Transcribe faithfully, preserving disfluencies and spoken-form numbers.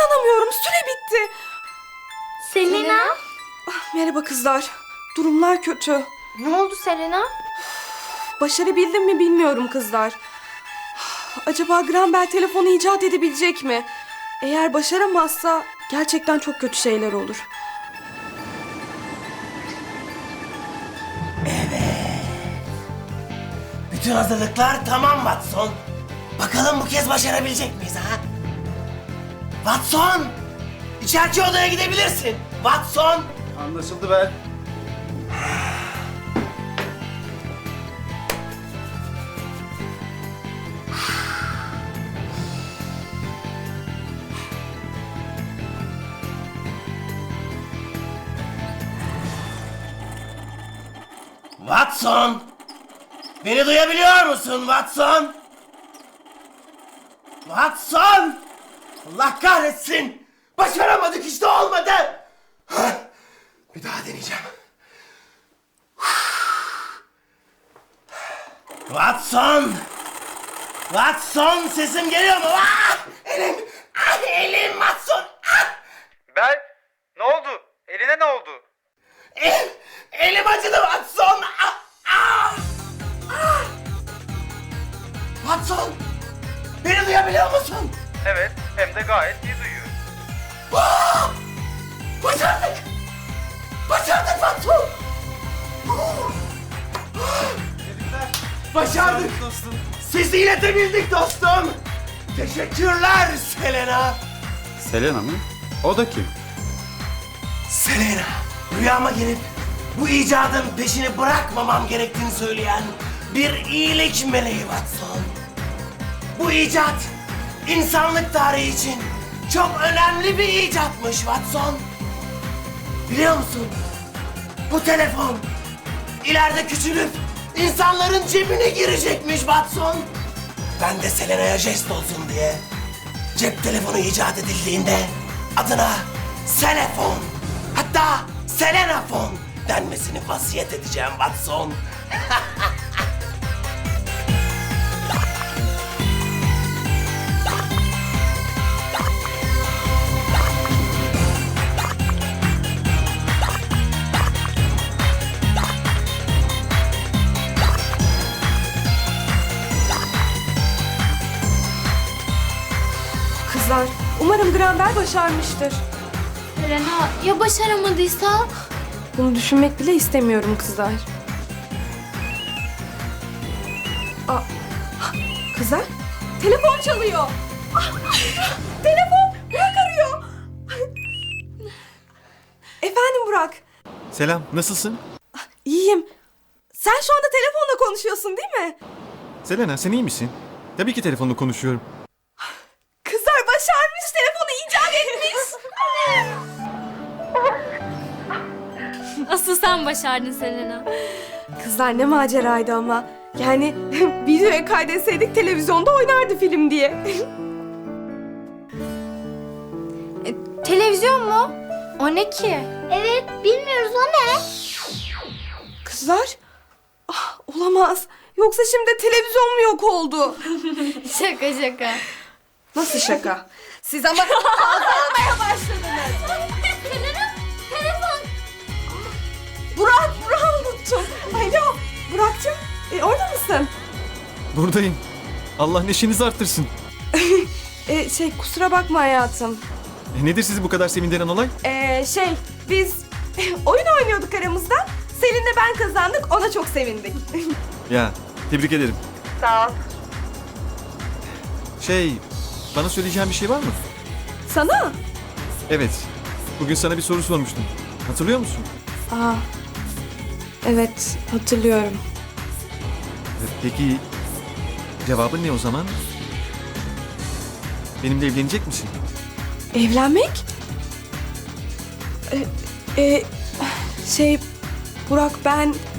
İnanamıyorum, süre bitti. Selena? Ah, merhaba kızlar. Durumlar kötü. Ne oldu Selena? Başarabildim mi bilmiyorum kızlar. Acaba Graham Bell telefonu icat edebilecek mi? Eğer başaramazsa gerçekten çok kötü şeyler olur. Bütün hazırlıklar tamam Watson. Bakalım bu kez başarabilecek miyiz ha? Watson! İçeriki odaya gidebilirsin. Watson! Anlaşıldı be. Watson! Beni duyabiliyor musun Watson? Watson! Allah kahretsin! Başaramadık işte, olmadı! Hah! Bir daha deneyeceğim. Watson! Watson, sesim geliyor mu? Ah! Elim! Ah, elim Watson! Ah! Bel, ne oldu? Eline ne oldu? Elim, elim acıdı Watson! Ah! Ah! Ah! Watson! Beni duyabiliyor musun? Evet, hem de gayet iyi duyuyorum. Ah! Başardık! Başardık Watson! Başardık! Dostum. Sizi iletebildik dostum! Teşekkürler Selena! Selena mı? O da kim? Selena, rüyama gelip bu icadın peşini bırakmamam gerektiğini söyleyen bir iyilik meleği Watson. Bu icat insanlık tarihi için çok önemli bir icatmış Watson. Biliyor musun? Bu telefon ileride küçülüp insanların cebine girecekmiş Watson. Ben de Selena'ya jest olsun diye cep telefonu icat edildiğinde adına Selefon, hatta Selenafon denmesini vasiyet edeceğim Watson. Kızlar, umarım Graham Bell başarmıştır. Selena ya başaramadıysa? Bunu düşünmek bile istemiyorum kızlar. Aa, kızlar, telefon çalıyor. Ah, telefon, Burak arıyor. Efendim Burak, Selam, nasılsın? iyiyim. Sen şu anda telefonla konuşuyorsun değil mi? Selena, sen iyi misin? Tabii ki telefonla konuşuyorum. Kızlar başarmış, telefonu icat etmiş. Asıl sen başardın Selena. Kızlar ne maceraydı ama. Yani videoya kaydetseydik televizyonda oynardı film diye. E, televizyon mu? O ne ki? Evet, bilmiyoruz o ne? Kızlar, ah, olamaz. Yoksa şimdi televizyon mu yok oldu? Şaka şaka. Nasıl şaka? Siz ama kaldırmaya başladınız. Selena, telefon. Burak, Burak'ı unuttum. Alo, Burak'cığım, e, orada mısın? Buradayım. Allah neşenizi arttırsın. E, şey, kusura bakma hayatım. E, nedir sizi bu kadar sevindiren olay? E, şey, biz oyun oynuyorduk aramızda. Selin'le ben kazandık, ona çok sevindik. Ya, tebrik ederim. Sağ ol. Şey, bana söyleyeceğin bir şey var mı? Sana? Evet, bugün sana bir soru sormuştum. Hatırlıyor musun? Aa, evet, hatırlıyorum. E, Peki, cevabın ne o zaman? Benimle evlenecek misin? Evlenmek? E, e, şey, Burak ben